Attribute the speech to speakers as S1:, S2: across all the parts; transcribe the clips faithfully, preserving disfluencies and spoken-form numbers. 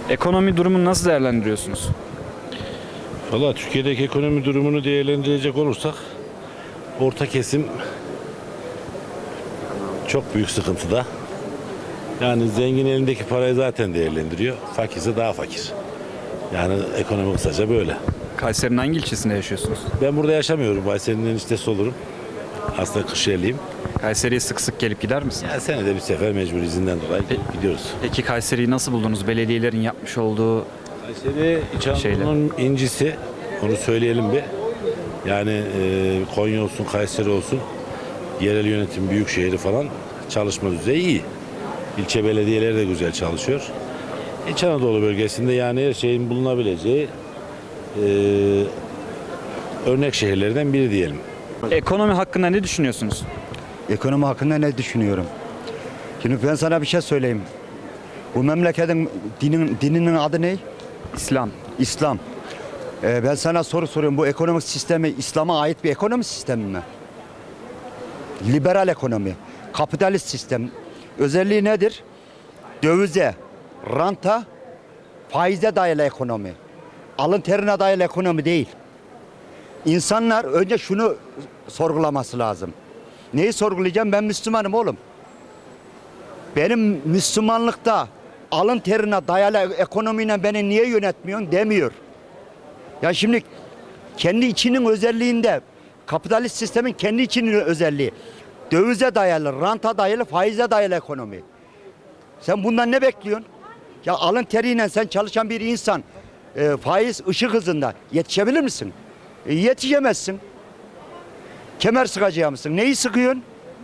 S1: Ekonomi durumunu nasıl değerlendiriyorsunuz?
S2: Valla Türkiye'deki ekonomi durumunu değerlendirecek olursak orta kesim çok büyük sıkıntıda. Yani zengin elindeki parayı zaten değerlendiriyor. Fakirse daha fakir. Yani ekonomi kısaca böyle.
S1: Kayseri'nin hangi ilçesinde yaşıyorsunuz?
S2: Ben burada yaşamıyorum. Kayseri'nin eniştesi olurum. Aslında Kırşehirliyim.
S1: Kayseri'ye sık sık gelip gider misiniz?
S2: Yani senede bir sefer mecbur izinden dolayı
S1: Pe-
S2: gidiyoruz.
S1: Peki Kayseri'yi nasıl buldunuz? Belediyelerin yapmış olduğu
S2: Kayseri İç Anadolu'nun incisi. Onu söyleyelim bir. Yani e, Konya olsun, Kayseri olsun, yerel yönetim, büyük şehri falan çalışma düzeyi iyi. İlçe belediyeleri de güzel çalışıyor. İç Anadolu bölgesinde yani her şeyin bulunabileceği e, örnek şehirlerden biri diyelim.
S1: ekonomi hakkında ne düşünüyorsunuz?
S3: Ekonomi hakkında ne düşünüyorum? Şimdi ben sana bir şey söyleyeyim. Bu memleketin dinin, dininin adı ne?
S1: İslam.
S3: İslam. Ee, ben sana soru soruyorum. Bu ekonomik sistemi İslam'a ait bir ekonomi sistemi mi? Liberal ekonomi, kapitalist sistem. Özelliği nedir? Dövize, ranta, faize dayalı ekonomi. Alın terine dayalı ekonomi değil. İnsanlar önce şunu sorgulaması lazım. Neyi sorgulayacağım? Ben Müslümanım oğlum. Benim Müslümanlıkta alın terine dayalı ekonomiyle beni niye yönetmiyorsun demiyor. Ya şimdi kendi içinin özelliğinde, kapitalist sistemin kendi içinin özelliği. Dövize dayalı, ranta dayalı, faize dayalı ekonomi. Sen bundan ne bekliyorsun? Ya alın teriyle sen çalışan bir insan e, faiz ışık hızında yetişebilir misin? E, yetişemezsin. Kemer sıkacağı mısın? Neyi sıkıyorsun?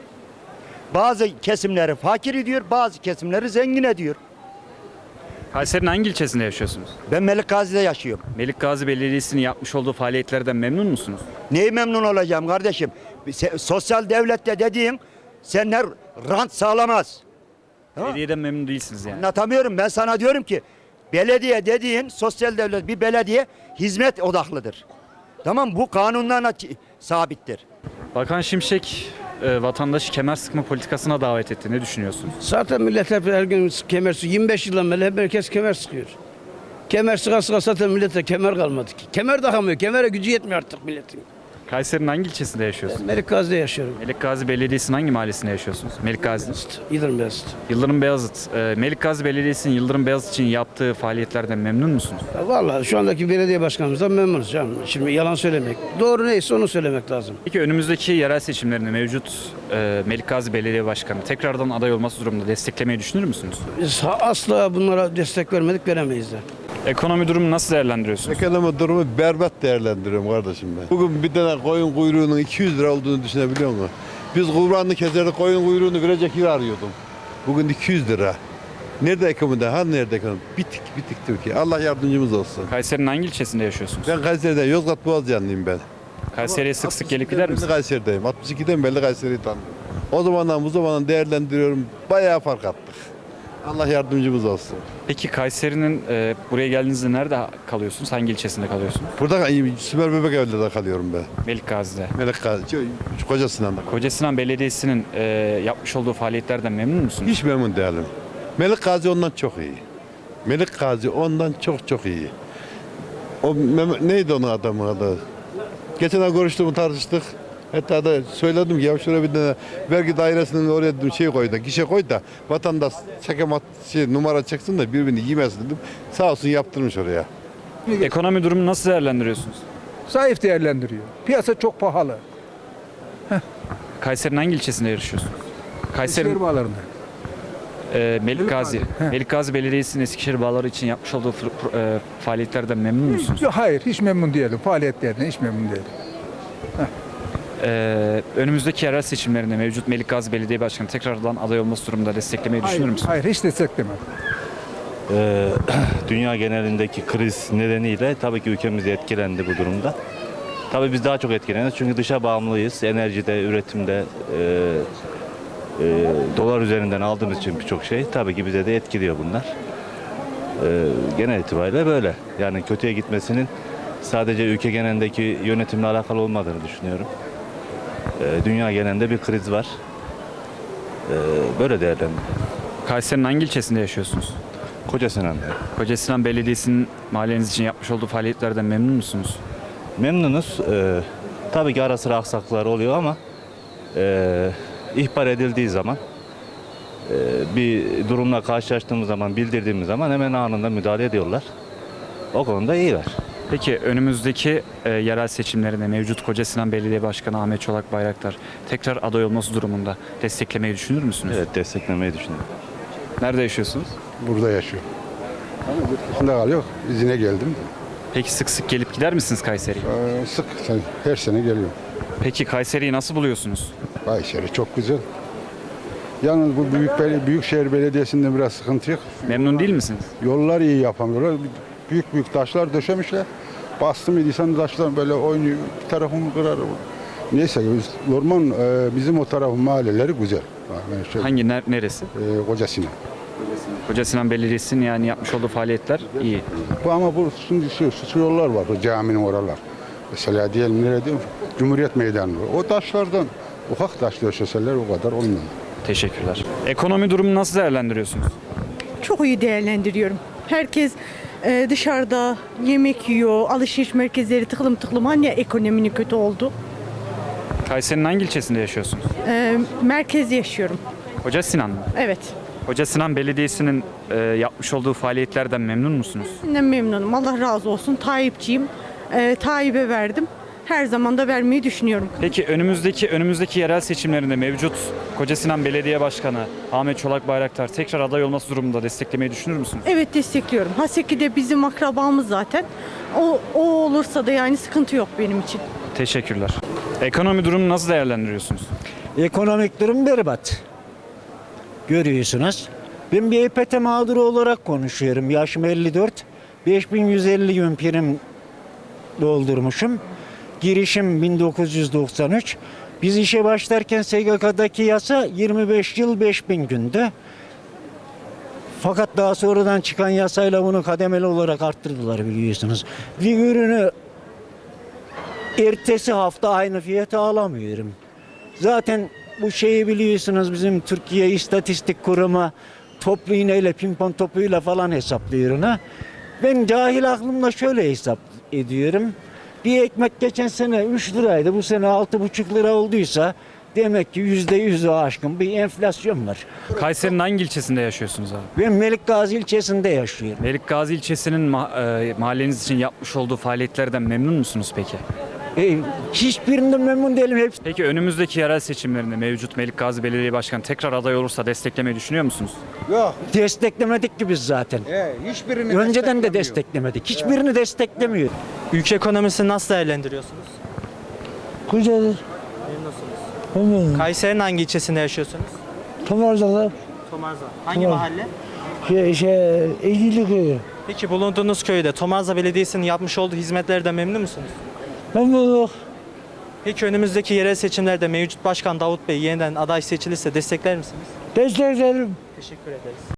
S3: Bazı kesimleri fakir ediyor, bazı kesimleri zengin ediyor.
S1: Kayseri'nin hangi ilçesinde yaşıyorsunuz?
S3: Ben Melik Gazi'de yaşıyorum.
S1: Melik Gazi Belediyesi'nin yapmış olduğu faaliyetlerden memnun musunuz?
S3: Neyi memnun olacağım kardeşim? Se- sosyal devlette dediğin senler rant sağlamaz. Tamam.
S1: Belediyeden memnun değilsiniz yani.
S3: Anlatamıyorum. Ben sana diyorum ki belediye dediğin sosyal devlet bir belediye hizmet odaklıdır. Tamam, bu kanunlarla ç- sabittir.
S1: Bakan Şimşek e, vatandaşı kemer sıkma politikasına davet etti. Ne düşünüyorsunuz?
S4: Zaten millet hep her gün kemer sıkıyor. yirmi beş yıldan beri hep herkes kemer sıkıyor. Kemer sıka sıka zaten millete kemer kalmadı ki. Kemer takamıyor. Kemere gücü yetmiyor artık milletin.
S1: Kayseri'nin hangi ilçesinde yaşıyorsunuz?
S4: Melik Gazi'de yaşıyorum.
S1: Melik Gazi Belediyesi'nin hangi mahallesinde yaşıyorsunuz? Melik Gazi.
S4: Yıldırım Beyazıt.
S1: Yıldırım Beyazıt. E, Melik Gazi Belediyesi'nin Yıldırım Beyazıt için yaptığı faaliyetlerden memnun musunuz?
S4: Ya vallahi şu andaki belediye başkanımızdan memnunuz canım. Şimdi yalan söylemek. Doğru neyse onu söylemek lazım.
S1: Peki önümüzdeki yerel seçimlerinde mevcut e, Melik Gazi Belediye Başkanı tekrardan aday olması durumunda desteklemeyi düşünür müsünüz?
S4: Biz ha- asla bunlara destek vermedik, veremeyiz de.
S1: Ekonomi durumunu nasıl değerlendiriyorsunuz?
S5: Ekonomi durumu berbat değerlendiriyorum kardeşim ben. Bugün bir tane koyun kuyruğunun iki yüz lira olduğunu düşünebiliyor musun? Biz kurbanını keserdik, koyun kuyruğunu verecek yer arıyordum. Bugün iki yüz lira. Nerede ekonomi? Ha nerede ekonomi? Bitik bitik Türkiye. Allah yardımcımız olsun.
S1: Kayseri'nin hangi ilçesinde yaşıyorsunuz?
S5: Ben Kayseri'de Yozgat Boğazcanlıyım ben.
S1: Kayseri'ye sık sık gelip gider
S5: Ben de
S1: misiniz?
S5: Kayseri'deyim. altmış ikiden beri Kayseri'yi tanıyorum. O zamandan bu zamandan değerlendiriyorum. Bayağı fark attık. Allah yardımcımız olsun.
S1: Peki Kayseri'nin e, buraya geldiğinizde nerede kalıyorsunuz? Hangi ilçesinde kalıyorsunuz?
S5: Burada Süper Bebek Evler'de kalıyorum ben.
S1: Melik Gazi'de.
S5: Melek Gazi, Koca Sinan'da.
S1: Kocasinan Belediyesi'nin e, yapmış olduğu faaliyetlerden memnun musunuz?
S5: Hiç memnun değilim. Melik Gazi ondan çok iyi. Melik Gazi ondan çok çok iyi. O Mem- neydi onun adamın adı? Geçen ay görüştüm, tartıştık. Hatta da söyledim ki ya şuraya bir tane vergi dairesinin oraya dedim şey koy da gişe koy da vatandaş çekemat şey numara çeksin de birbirini yemesin dedim. Sağ olsun yaptırmış oraya.
S1: Ekonomi durumunu nasıl değerlendiriyorsunuz?
S6: Zayıf değerlendiriyor. Piyasa çok pahalı.
S1: Kayseri'nin hangi ilçesinde yaşıyorsunuz? Kayseri
S6: Eskişehir bağlarında.
S1: e, Melik Gazi. Melik Gazi Belediyesi'nin Eskişehir bağları için yapmış olduğu fır- e, faaliyetlerden memnun musunuz?
S6: Yok, hayır, hiç memnun değilim. Faaliyetlerine hiç memnun değilim.
S1: Ee, önümüzdeki yerel seçimlerinde mevcut Melik Gazi Belediye Başkanı tekrardan aday olması durumunda desteklemeyi düşünür
S6: Hayır,
S1: müsünüz?
S6: hayır, hiç desteklemem.
S7: Ee, dünya genelindeki kriz nedeniyle tabii ki ülkemiz etkilendi bu durumda. Tabii biz daha çok etkileniyoruz çünkü dışa bağımlıyız. Enerjide, üretimde, e, e, dolar üzerinden aldığımız için birçok şey tabii ki bize de etkiliyor bunlar. E, genel itibariyle böyle. Yani kötüye gitmesinin sadece ülke genelindeki yönetimle alakalı olmadığını düşünüyorum. E, dünya genelinde bir kriz var. E, böyle değerlendiriyorum.
S1: Kayseri'nin hangi ilçesinde yaşıyorsunuz?
S7: Koca Sinan'da.
S1: Kocasinan Belediyesi'nin mahalleniz için yapmış olduğu faaliyetlerden memnun musunuz?
S7: Memnunuz. Ee, tabii ki ara sıra aksaklıklar oluyor ama e, ihbar edildiği zaman e, bir durumla karşılaştığımız zaman, bildirdiğimiz zaman hemen anında müdahale ediyorlar. O konuda iyiler.
S1: Peki önümüzdeki e, yerel seçimlerinde mevcut Kocasinan Belediye Başkanı Ahmet Çolak Bayraktar tekrar aday olması durumunda desteklemeyi düşünür müsünüz?
S7: Evet, desteklemeyi düşünüyorum.
S1: Nerede yaşıyorsunuz?
S8: Burada yaşıyor. Ama yurt dışında kalıyor. İzine geldim.
S1: Peki sık sık gelip gider misiniz Kayseri'ye?
S8: Ee, sık sen- her sene geliyorum.
S1: Peki Kayseri'yi nasıl buluyorsunuz?
S8: Kayseri çok güzel. Yalnız bu büyük bel- büyükşehir belediyesinde biraz sıkıntı yok.
S1: Memnun değil misiniz?
S8: Yollar iyi yapamıyorlar. Büyük büyük taşlar döşemişler. Bastım idiysen taşlar böyle oynuyor. Bir tarafını kırar. Neyse biz, normal e, bizim o tarafın mahalleleri güzel. Yani şey,
S1: Hangi ner- neresi?
S8: e, Kocasinan.
S1: Kocasinan Belediyesi'nin yani yapmış olduğu faaliyetler iyi.
S8: Bu ama bu şimdi şu, şu yollar var. O caminin oralar. Mesela diyelim nereye diyorum? Cumhuriyet Meydanı var. O taşlardan ufak taş döşeseler o kadar olmuyor.
S1: Teşekkürler. Ekonomi durumunu nasıl değerlendiriyorsunuz?
S9: Çok iyi değerlendiriyorum. Herkes e, dışarıda yemek yiyor, alışveriş merkezleri tıklım tıklım. Hani ekonominin kötü oldu?
S1: Kayseri'nin hangi ilçesinde yaşıyorsunuz?
S9: E, merkezde yaşıyorum.
S1: Kocasinan mı?
S9: Evet.
S1: Kocasinan Belediyesi'nin e, yapmış olduğu faaliyetlerden memnun musunuz?
S9: Ben memnunum. Allah razı olsun. Tayyipçiyim. E, Tayyip'e verdim. Her zaman da vermeyi düşünüyorum.
S1: Peki önümüzdeki önümüzdeki yerel seçimlerinde mevcut Kocasinan Belediye Başkanı Ahmet Çolak Bayraktar tekrar aday olması durumunda desteklemeyi düşünür müsünüz?
S9: Evet, destekliyorum. Haseki de bizim akrabamız zaten. O, o olursa da yani sıkıntı yok benim için.
S1: Teşekkürler. Ekonomi durumunu nasıl değerlendiriyorsunuz?
S10: Ekonomik durum berbat. Görüyorsunuz. Ben bir E P T mağduru olarak konuşuyorum. Yaşım elli dört. beş bin yüz elli gün prim doldurmuşum. Girişim bin dokuz yüz doksan üç. Biz işe başlarken S G K'daki yasa yirmi beş yıl beş bin gündü. Fakat daha sonradan çıkan yasayla bunu kademeli olarak arttırdılar biliyorsunuz. Bir ürünü ertesi hafta aynı fiyata alamıyorum. Zaten bu şeyi biliyorsunuz bizim Türkiye İstatistik Kurumu toplu iğneyle pimpon topuyla falan hesaplıyor ona. Ben cahil aklımla şöyle hesap ediyorum. Bir ekmek geçen sene üç liraydı. Bu sene altı buçuk lira olduysa demek ki yüzde yüzü aşkın bir enflasyon var.
S1: Kayseri'nin hangi ilçesinde yaşıyorsunuz abi?
S10: Ben Melikgazi ilçesinde yaşıyorum.
S1: Melikgazi ilçesinin ma- e, mahalleniz için yapmış olduğu faaliyetlerden memnun musunuz peki?
S10: E, hiçbirinden memnun değilim. Hepsi
S1: Peki önümüzdeki yerel seçimlerinde mevcut Melikgazi Belediye Başkanı tekrar aday olursa desteklemeyi düşünüyor musunuz?
S10: desteklemedik ki biz zaten.
S3: hiçbirini
S10: Önceden de desteklemedik. Hiçbirini desteklemiyor.
S11: Ülke ekonomisini nasıl değerlendiriyorsunuz?
S10: Güzel.
S11: Memnunum. Kayseri'nin hangi ilçesinde yaşıyorsunuz?
S10: Tomarzalar.
S11: Tomarza. Hangi mahalle?
S10: Şey, şey, Eğili köyü.
S11: Peki bulunduğunuz köyde Tomarza Belediyesi'nin yapmış olduğu hizmetlerden memnun musunuz?
S10: Memnunum.
S11: Peki önümüzdeki yerel seçimlerde mevcut başkan Davut Bey yeniden aday seçilirse destekler misiniz?
S10: Desteklerim.
S11: Teşekkür ederiz.